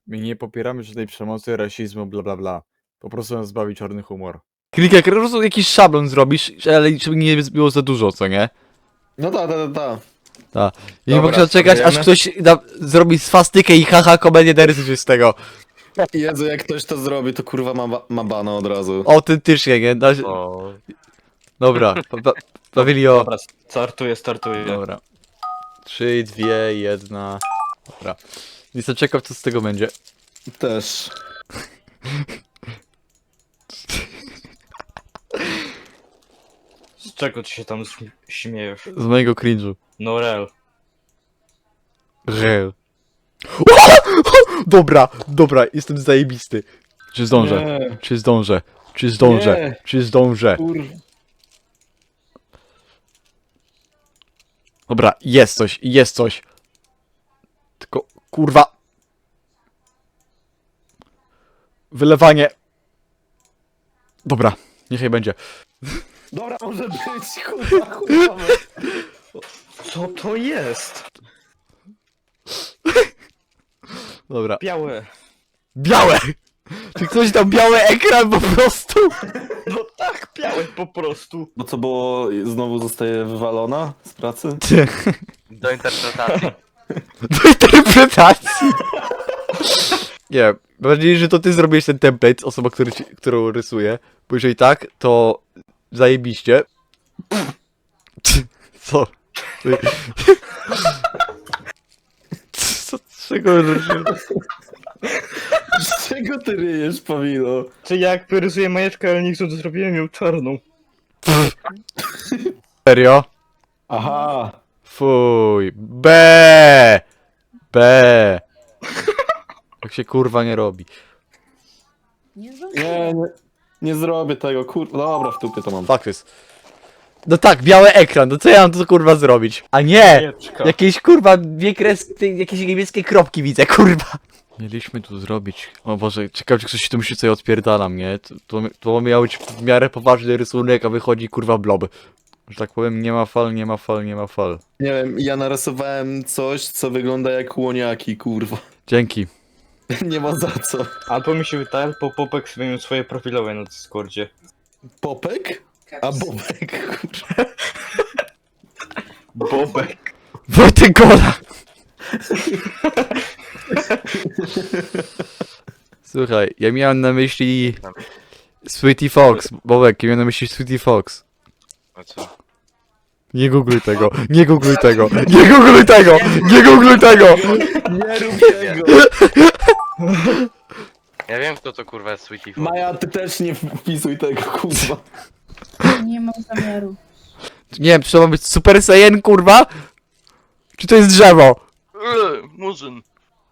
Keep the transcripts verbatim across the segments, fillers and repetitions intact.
My nie popieramy żadnej przemocy, rasizmu, bla bla bla. Po prostu nas bawi czarny humor. Klikaj, po prostu jakiś szablon zrobisz, ale żeby nie było za dużo, co nie? No tak, tak, tak. Tak. I nie Dobra, mogę czekać, aż spróbujemy. ktoś da, zrobi swastykę i haha komedię narysuje z tego. Jezu, jak ktoś to zrobi, to kurwa ma, ba- ma bana od razu. Autentycznie, nie? Da się... O. Dobra, pa, pa, Pawilio. Dobra, startuję, startuję. Dobra. Trzy, dwie, jedna. Dobra. Jestem ciekaw, co z tego będzie. Też. Z czego ty się tam śm- śmiejesz? Z mojego cringe'u. No real. Real. Dobra, dobra, jestem zajebisty. Czy zdążę? Nie. Czy zdążę? Czy zdążę? Nie. Czy zdążę? Kurwa. Dobra, jest coś, jest coś. Tylko, kurwa. Wylewanie. Dobra, niechaj będzie. Dobra, może być, kurwa, kurwa. Co to jest? Dobra. Białe. Białe! Czy ktoś dał biały ekran po prostu? No tak, białe po prostu. Bo co było, znowu zostaje wywalona z pracy? Do interpretacji. Do interpretacji. Nie, mam nadzieję, że to ty zrobiłeś ten template, osoba, który ci, którą rysuję. Bo jeżeli tak, to zajebiście. Co? Ty- Co? Czego? Z czego ty ryjesz, Pawilo? Czy jak wyrysuję majeczkę, ale nie chcę, to zrobiłem ją czarną. Serio? Aha. Fuj. B. B. Tak się kurwa nie robi. Nie Nie, zdążyłem. nie, nie zrobię tego, kurwa. Dobra, w tupie to mam. Fuck this. No tak, biały ekran, no co ja mam tu kurwa zrobić? A nie! Majeczka. Jakieś kurwa dwie kres... jakieś niebieskie kropki widzę, kurwa. Mieliśmy tu zrobić... O Boże, ciekawe czy ktoś tu myśli co ja odpierdalam, nie? To, to, to miał być w miarę poważny rysunek, a wychodzi kurwa blob. Że tak powiem, nie ma fal, nie ma fal, nie ma fal. Nie wiem, ja narysowałem coś, co wygląda jak łoniaki, kurwa. Dzięki. Nie ma za co. Albo mi się wydaje, bo Popek sobie miał swoje profilowe na Discordzie. Popek? A Bobek, kurwa. Bobek. Wojtek Gola! Słuchaj, ja miałem na myśli... Sweetie Fox, Bobek, ja miałem na myśli Sweetie Fox. A co? Nie googluj tego, nie googluj tego, nie googluj tego, nie googluj tego! Nie rób tego. Ja wiem kto to kurwa jest Sweetie Fox. Maja, ty też nie wpisuj tego, kurwa. Nie mam zamiaru. Nie wiem, czy to ma być Super Saiyan, kurwa? Czy to jest drzewo? Eee, Murzyn.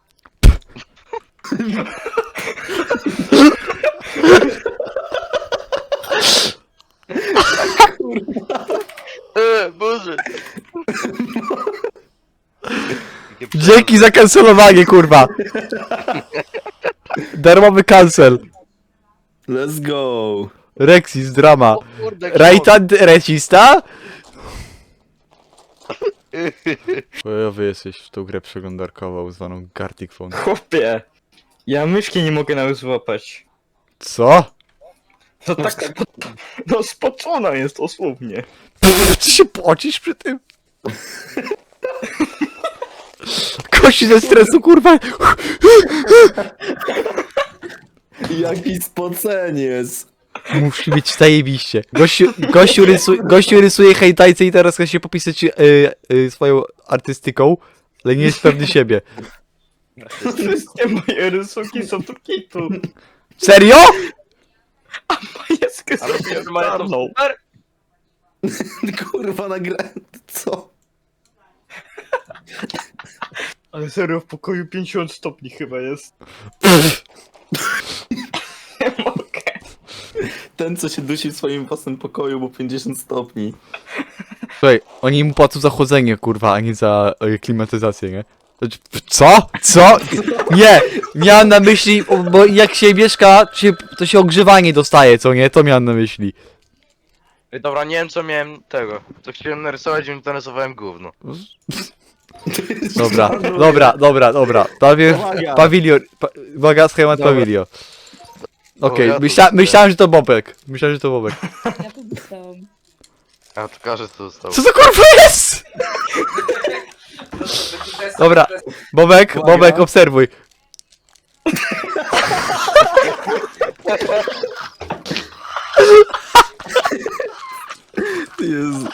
Eee, Murzyn. Dzięki za kancelowanie, kurwa! Darmowy cancel. Let's go. Rexis, drama. O kurde, Rajtan recista? Chujowy jesteś w tą grę przeglądarkową zwaną Gartic Phone. Chłopie. Ja myszki nie mogę nawet złapać. Co? No tak spo... No spoczona jest dosłownie. Pff, ty się pocisz przy tym? Kości ze stresu, kurwa! Jaki spoceniec. Musi być zajebiście. Gościu, gościu, rysu, gościu rysuje hejtajce i teraz chce się popisać y, y, swoją artystyką, ale nie jest pewny siebie. Wszystkie moje rysunki są tu kitu. Serio? Majeskę Ale zrobiłem to mają to czarną. super? Kurwa, nagrałem. Co? Ale serio, w pokoju pięćdziesiąt stopni chyba jest. Nie mogę. Ten, co się dusi w swoim własnym pokoju, bo pięćdziesiąt stopni. Słuchaj, oni mu płacą za chłodzenie, kurwa, a nie za y, klimatyzację, nie? Znaczy, co? Co? Nie! Miałem na myśli, o, bo jak się mieszka, się, to się ogrzewanie dostaje, co nie? To miałem na myśli. Ej, dobra, nie wiem co miałem tego. To chciałem narysować i narysowałem gówno. Dobra, dobra, dobra, dobra. Pawię, Uwaga. pawilion, pa, uwaga, schemat Dobra. pawilio. Okej, O, ja tu myśla, dostałem. myślałem, że to Bobek. Myślałem, że to Bobek. Ja to dostałam. A to każdy co został. Co to kurwa jest? Dobra, Bobek, Uwaga. Bobek, obserwuj. Jezu.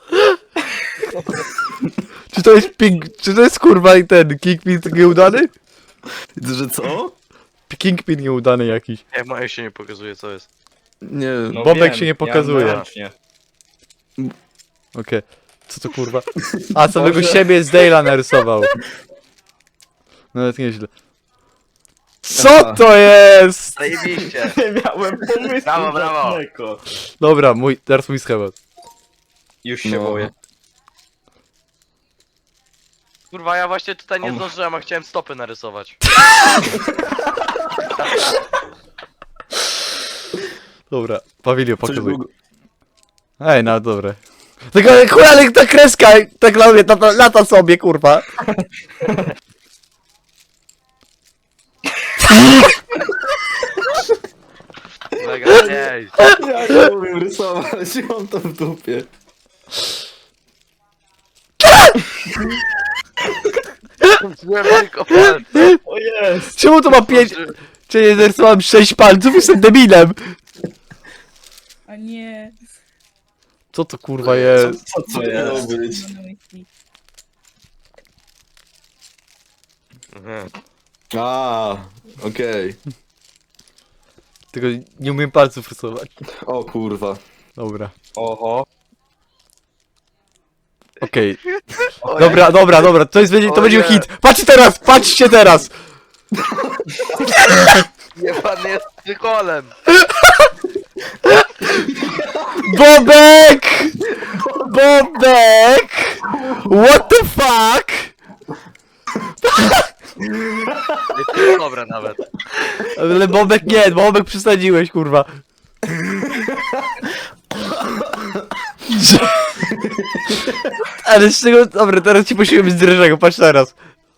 Czy to jest ping, czy to jest kurwa i ten Kingpin nieudany? Że co? Kingpin nieudany jakiś. Nie, moje się nie pokazuje co jest. Nie. No Bobek wiem, się nie ja pokazuje. ręcznie. Okej. Co to kurwa? A, samego Boże. siebie z Dale'a narysował. Nawet nieźle. Co to jest? Zajebiście. Nie miałem pomysłu Brawo, brawo. żadnego. Dobra, mój, teraz mój schemat. Już się No. boję. Kurwa, ja właśnie tutaj nie Om. zdążyłem, a chciałem stopy narysować. Dobra, Pawilio, Coś pokazuj. było... Ej, no dobre. Tylko kurwa, ale ta kreska, tak na mnie, lata, lata sobie, kurwa. Mega, nie. Ja nie umiem rysować, mam to w dupie. Złem tylko palce. O jest! Czemu to ma pięć... Czy nie narysowałem sześć palców? Jestem debilem. A nie. Co to kurwa jest? Co to miało być? Mam na myśli. Mhm. A, okej. Tylko nie umiem palców rysować. O kurwa. Dobra. Oho. Okej. Dobra, dobra, dobra, to jest, będzie, to O będzie nie. hit. Patrzcie teraz, patrzcie teraz. Nie, pan jest psycholem. Bobek! Bobek! What the fuck? To jest dobre nawet. Ale Bobek nie, Bobek przesadziłeś, kurwa. Ale z czego... Dobra, teraz ci posiłem z dreszego, patrz teraz.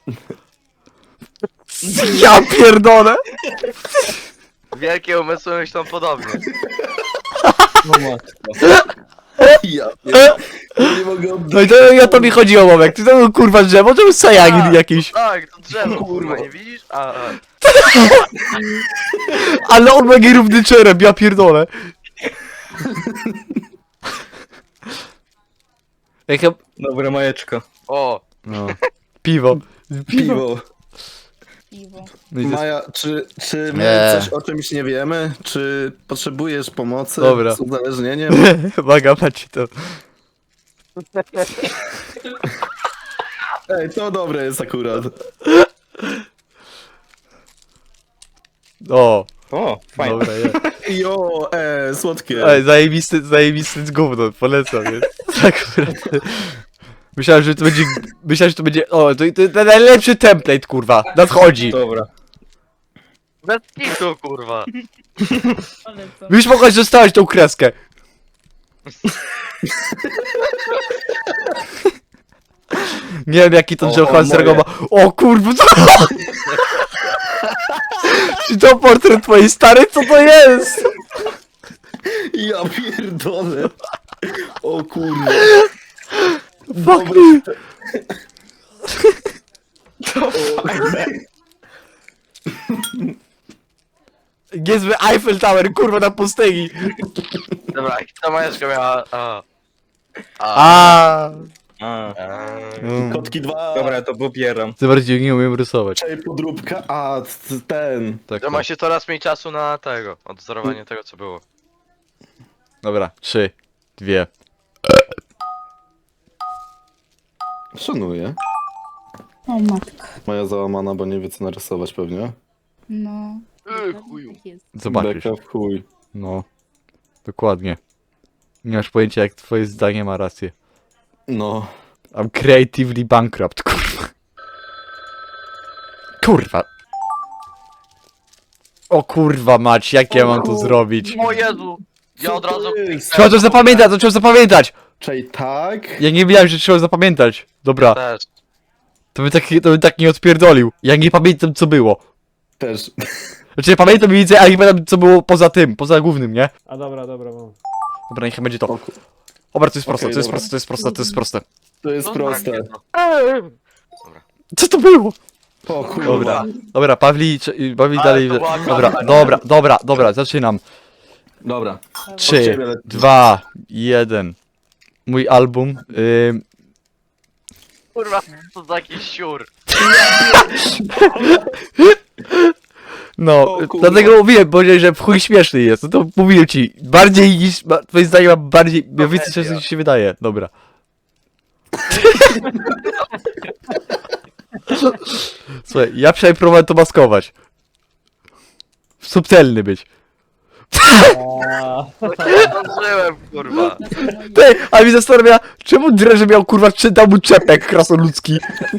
Ja pierdolę! Wielkie umysły myślą podobnie. No matko. Ja pier- nie mogę No i to ja to mi chodziło, Bobek. Ty to był kurwa drzewo, to był sajagin Tak. jakiś. Tak, to drzewo, kurwa, nie widzisz? A, a. Ale on ma nierówny czerep, ja pierdolę. Ej, chyba... Dobre majeczko. O, No. Piwo. piwo. Piwo. No i to jest... Maja, czy, czy my Nie. coś o czymś nie wiemy? Czy potrzebujesz pomocy Dobra. z uzależnieniem? Uwaga, patrzcie to. Ej, to dobre jest akurat. O, O, fajnie. dobra, jest. Jo, e, słodkie. Ej, zajebisty, zajebisty gówno, polecam, jest. Tak, akurat. Myślałem, że to będzie, myślałem, że to będzie, o, to, to, to najlepszy template, kurwa, nadchodzi. Dobra. bez kitu, kurwa. Ale co? Już mogłeś zostawić tą kreskę. Nie wiem, jaki to O, drzewo o, Hanserego ma. moje. O kurwa, co? Czy to portret twojej starej? Co to jest? Ja pierdolę. O kurwa. Fuck me. Niezły Eiffel Tower, kurwa, na pustyni. Dobra, i ta majeczka miała... A. A. A. A. A. Mm. Kotki dwa. Dobra, to pobieram. Ty bardziej nie umiem rysować. Czej podróbka, a c- ten. Tak, To ma tak. się coraz mniej czasu na tego, odzorowanie tego co było. Dobra, trzy, dwie. Szanuję. O matka. Moja załamana, bo nie wie co narysować pewnie. No. Ej, chuju. Tak jest. Zobaczysz. Beka w chuj. No. Dokładnie. Nie masz pojęcia, jak twoje zdanie ma rację. No. I'm creatively bankrupt, kurwa. Kurwa. O kurwa mać, jak ja mam to zrobić? O Jezu! Ja od Co to razu... jest? Trzeba to zapamiętać, to trzeba zapamiętać! Czej tak. Ja nie wiedziałem, że trzeba zapamiętać. Dobra, Też. To by tak, to by tak nie odpierdolił. Ja nie pamiętam co było. Też. Znaczy ja pamiętam mniej więcej, ale nie pamiętam co było poza tym, poza głównym, nie? A dobra, dobra, mam. Dobra, niech będzie to. Dobra, to jest proste, Okej, to jest dobra. proste, to jest proste, to jest proste. To jest No, proste. tak, no. Co to było? O kurwa. Dobra, dobra, Pawli, czy- Pawli Ale dalej. to była Dobra, kamera. dobra, dobra, dobra, zaczynam. Dobra. Trzy, ciebie lecę. dwa, jeden. Mój album. Ym, Kurwa, co za jakiś siur. no, O kurwa. dlatego mówiłem, powiedziałeś, że w chuj śmieszny jest. No to mówiłem ci. Bardziej niż. ma- Twoje zdanie ma bardziej. Ja więcej czasu niż się wydaje. Dobra. Słuchaj, ja przynajmniej próbowałem to maskować. Subtelny być. Nie zdążyłem, kurwa. Ty, a mi zastanawia, czemu Dreże miał kurwa czy dał mu czepek krasnoludzki?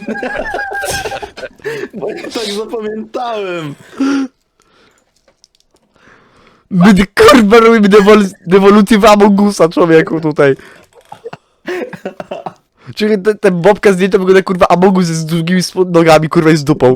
Bo ja tak zapamiętałem. My kurwa robimy dewol dewolucję w Amogusa, człowieku, tutaj. Czyli ten, ten bobka zdjęta wygląda kurwa Amogus z długimi spod- nogami, kurwa i z dupą.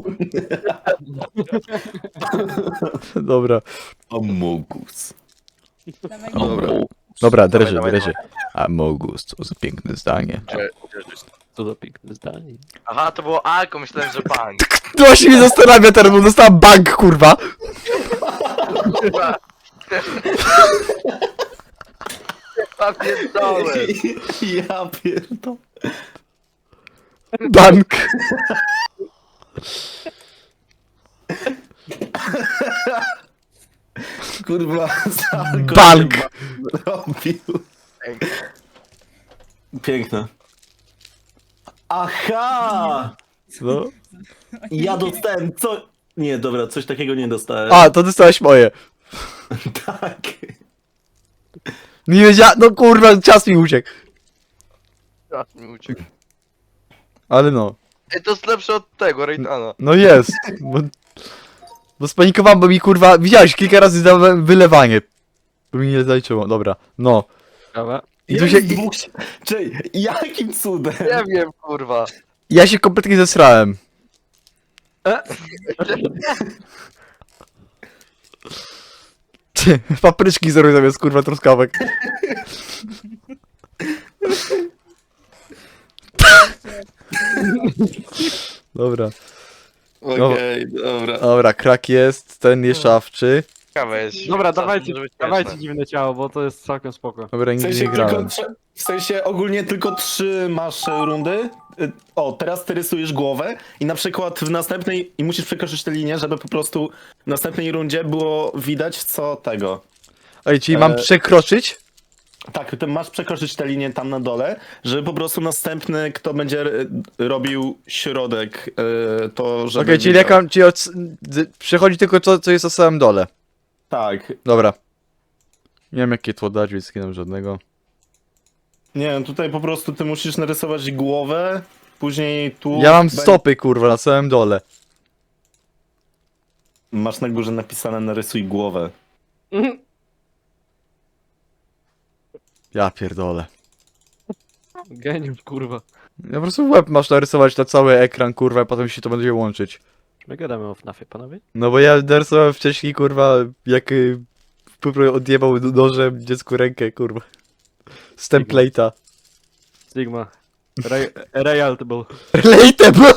Dobra. Amogus. Dawaj, Dobra. Dobra, Dreże, dawaj, Dreże. Amogus, to za piękne zdanie. To za piękne zdanie. Aha, to było alko, myślałem, że bank. To właśnie mnie zastanawia teraz, bo dostałem bank, kurwa. Kurwa. Ja pierdolę. Ja pierdolę. Bank. Kurwa, Salko Bank. się robił. Piękne. Aha! No. Ja dostałem co... Nie, dobra, coś takiego nie dostałem. A, to dostałeś moje. Tak. Nie wiedziałem, no kurwa, czas mi uciekł. Czas mi uciekł. Ale no. Ej, to jest lepsze od tego, Rejtana. No jest. Bo, bo spanikowałem, bo mi kurwa, widziałeś, kilka razy dałem wylewanie. Bo mi nie zaliczyło, dobra. No. Dobra. I tu się, Jest dwóch... Czej, jakim cudem? Nie wiem, kurwa. ja się kompletnie zesrałem. Ty, papryczki zrobię zamiast kurwa truskawek. Dobra, Okej, dobra. dobra, krak jest, ten jest szafczy. Ciekawe jest. Dobra, Czas dawajcie, może być dawajcie śmieszne. dziwne ciało, bo to jest całkiem spoko. Dobra, W nigdy sensie, nie tylko, grałem. trze- w sensie ogólnie tylko trzy masz e, rundy. Y, O, teraz ty rysujesz głowę i na przykład w następnej... I musisz przekroczyć tę linię, żeby po prostu w następnej rundzie było widać co tego. Ej, czyli mam e, przekroczyć? Tak, ty masz przekroczyć tę linię tam na dole, żeby po prostu następny, kto będzie y, robił środek, y, to żeby... Okej, czyli widział. jak mam, czyli od, d- przechodzi tylko to, co jest na samym dole. Tak. Dobra. Nie wiem jakie tło dać, więc nie dam żadnego. Nie wiem, tutaj po prostu ty musisz narysować głowę, później tu... Ja mam bę- stopy kurwa na samym dole. Masz na górze napisane narysuj głowę. Ja pierdolę. Geniusz, kurwa. Ja po prostu łeb masz narysować na cały ekran kurwa, a potem się to będzie łączyć. Czy my gadamy o FNAFie, panowie? No bo ja narysowałem wcześniej kurwa, jak y, po prostu odjebał nożem dziecku rękę kurwa. Z template'a. Sigma. Re Realtable. Relatable!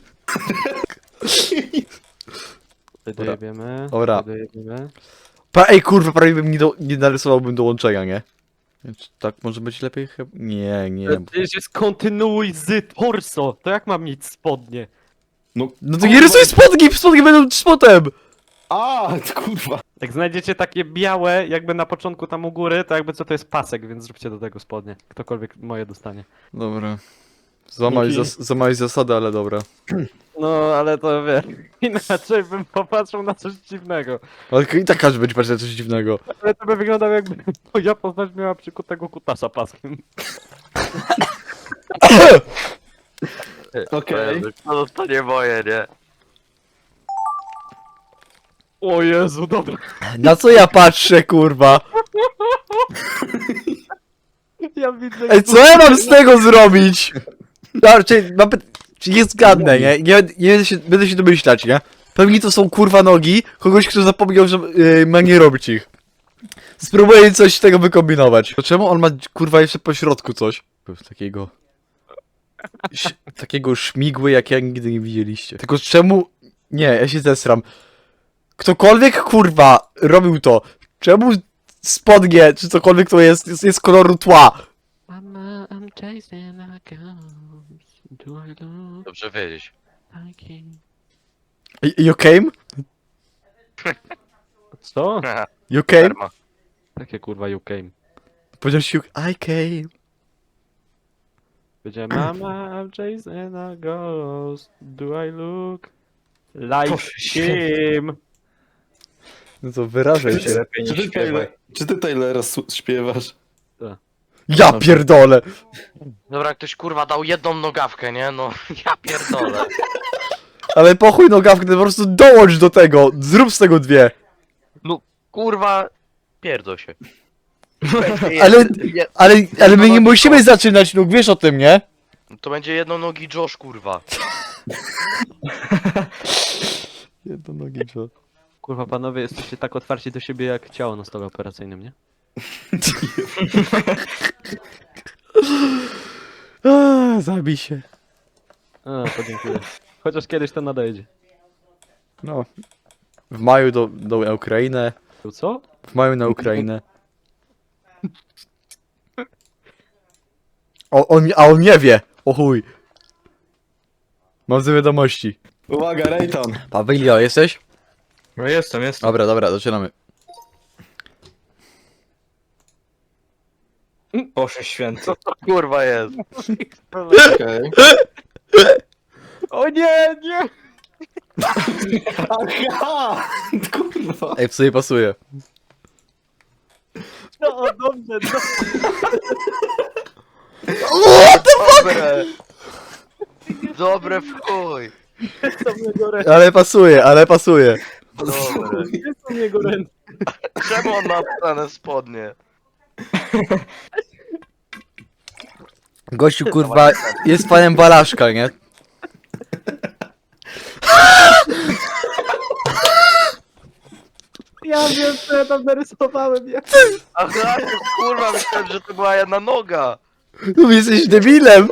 Tutaj Dobra. dojebiemy. Dobra. Tutaj dojebiemy. Pa, ej kurwa, prawie bym nie, do, nie narysowałbym dołączenia, nie? Więc tak może być lepiej chyba? Nie, nie. To przecież jest kontynuuj z torso. To jak mam mieć spodnie? No, No to nie rysuj spodni, spodni będą spotem! A, kurwa. Jak znajdziecie takie białe, jakby na początku tam u góry, to jakby co to jest pasek, więc zróbcie do tego spodnie. Ktokolwiek moje dostanie. Dobra. Złamałeś, Dzięki. zas złamałeś zasady, ale dobra. No, ale to wiesz, inaczej bym popatrzył na coś dziwnego. Ale i tak każdy będzie patrzeć na coś dziwnego. Ale to by wyglądało jakby moja postać miała przykutego kutasa paskiem. Okej. To dostanie moje, nie? O Jezu, dobra. Na co ja patrzę, kurwa? Ja widzę... Ej, co ja mam z tego zrobić? Dobra, czyli mam py- Czy nie zgadnę, nie? Nie, nie będę, się, będę się domyślać, nie? Pewnie to są kurwa nogi kogoś, kto zapomniał, że yy, ma nie robić ich. Spróbuję coś z tego wykombinować. To czemu on ma kurwa jeszcze po środku coś? Takiego... ś- Takiego szmigły, jak ja nigdy nie widzieliście. Tylko czemu... Nie, ja się zesram. Ktokolwiek kurwa robił to, czemu spodnie, czy cokolwiek to jest, jest, jest koloru tła? Mama, I'm chasing a ghost. Do I look Dobrze wiedzieć. like him? Y- You came? Co? You came? Karma. Takie kurwa you came. Powiedziałeś you... I came. Powiedziałem, mama, I'm chasing a ghost. Do I look like Boże święty. him? No to wyrażaj się. Lepiej Czy nie ty, śpiewaj. Taylor, czy ty Taylora su- śpiewasz? Ja pierdolę! Dobra, ktoś kurwa dał jedną nogawkę, nie? No, ja pierdolę. Ale pochuj nogawkę, ty po prostu dołącz do tego! Zrób z tego dwie! Kurwa, pierdol się. Ale, ale, ale my nie musimy zaczynać nóg, wiesz o tym, nie? To będzie jedną nogi Josh, kurwa. Jedno nogi, co? Kurwa panowie, jesteście tak otwarci do siebie jak ciało na stole operacyjnym, nie? Eee, zabij się. A, podziękuję. Chociaż kiedyś to nadejdzie. No. W maju do, do na Ukrainę. Tu co? W maju na Ukrainę. O, on, a on nie wie! O chuj. Mam złe wiadomości. Uwaga, Rayton. Pawilio, jesteś? No jestem, jestem. Dobra, dobra, zaczynamy. Boże święty. Co to kurwa jest? Okej. O nie, nie! Aha! Kurwa. Ej, w sobie pasuje. No dobrze, no. Dobre. Dobre w chuj. Są jego ręce, Ale pasuje, ale pasuje. Dobre. są jego ręce. Czemu on ma obstane spodnie? Gościu, kurwa, jest fanem Balaszka, nie? Ja wiem, co ja tam narysowałem, ja. Aha, kurwa, myślałem, że to była jedna noga. No jesteś debilem!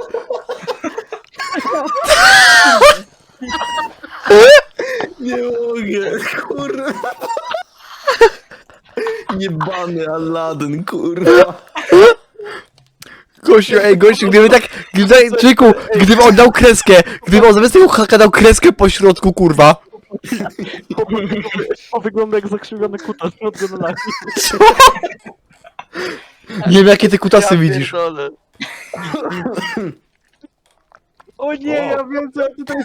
Nie mogę, kurwa. Niebany Aladdin, kurwa. Gościu, ej, gościu, gdyby tak, gdyby, czyku, gdyby on dał kreskę, gdyby on zamiast tego haka dał kreskę po środku, kurwa. O, wygląda jak zakrzywiony kutas od gonolami. Nie wiem, jakie ty kutasy Ja widzisz. pierdolę. O nie, ja wiem, co ja tutaj...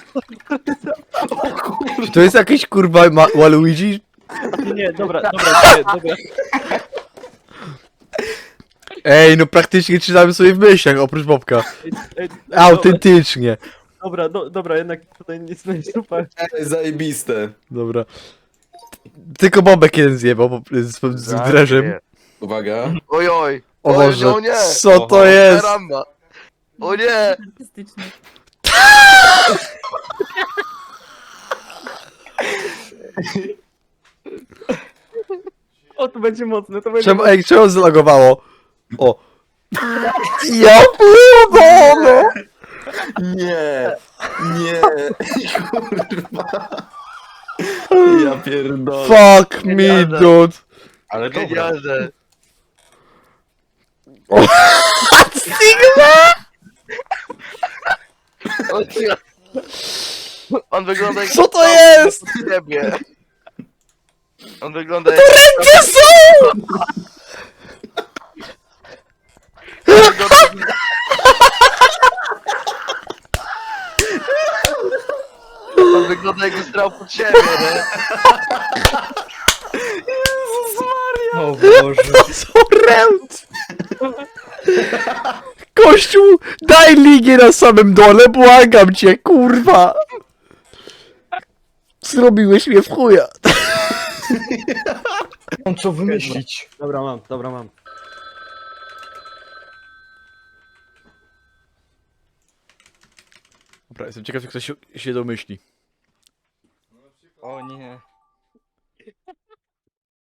To jest jakiś, kurwa, ma Waluigi? Nie, dobra, dobra, nie, dobra. Ej, no praktycznie czytamy sobie w myślach, oprócz Bobka. Ej, ej, Autentycznie. Dobra, do, dobra, jednak tutaj nic nie super. Ej, zajebiste. Dobra. Tylko Bobek jeden zjebał bo- z, z, z dreżem. Uwaga. Oj, oj. O Oj, Boże, no nie. co to Oho. jest? Karamba. O nie. Artystyczny. O, to będzie mocne, to będzie Czemu, ej, czemu zlagowało? O. Ja pierdolę! Nie. Nie. Kurwa. Ja pierdolę. Fuck me, Genialne. dude. Ale dobra. Genialne. Sigma! O nie. On wygląda jak... Co to jest? Od ciebie. On wygląda jak... Gdzie są? On wygląda jakby strał pod siebie, nie? O Boże. To są ręce. Kościół, daj linię na samym dole, błagam cię, kurwa. Zrobiłeś mnie w chuja. Mam co wymyślić. Dobra, mam, dobra, mam. Dobra, Dobra, jestem ciekaw, jak ktoś się- się domyśli. O nie.